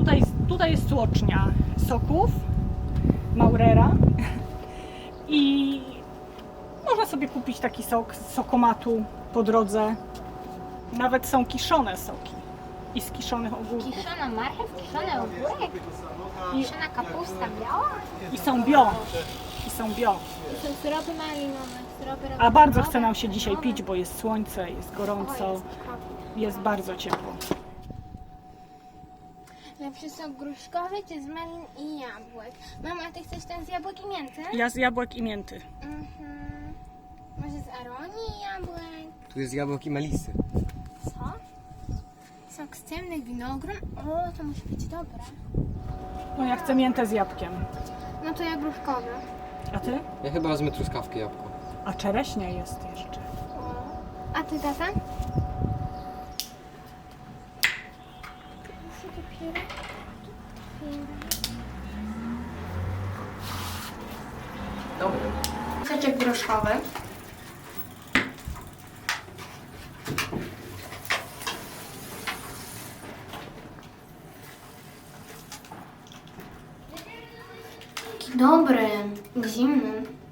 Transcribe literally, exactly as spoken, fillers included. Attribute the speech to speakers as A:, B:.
A: tutaj, tutaj jest tłocznia soków Maurera i można sobie kupić taki sok z sokomatu po drodze. Nawet są kiszone soki i z kiszonych ogórków.
B: Kiszona marchew, kiszony ogórek, kiszona kapusta biała.
A: I są bio. I są bio.
B: I są syropy malinowe, syropy
A: A bardzo
B: rowerowe,
A: chce nam się dzisiaj
B: malinowe.
A: pić, bo jest słońce, jest gorąco,
B: O, jest okropnie.
A: jest bardzo ciepło.
B: Lepszy sok gruszkowy czy z malin i jabłek? Mama, ty chcesz ten z jabłek i mięty?
A: Ja z jabłek i mięty.
B: Mhm. Może z aronii i jabłek?
C: Tu jest jabłek i melisy.
B: Co? Sok z ciemnych winogron? O, to musi być dobre.
A: No ja chcę miętę z jabłkiem.
B: No to ja gruszkowy.
A: A ty?
C: Ja chyba wezmę truskawkę jabłko.
A: A czereśnia jest jeszcze.
B: O. A ty, tata? Muszę dopiero
C: Dobry.
B: soczek groszkowy. Taki dobry, zimny.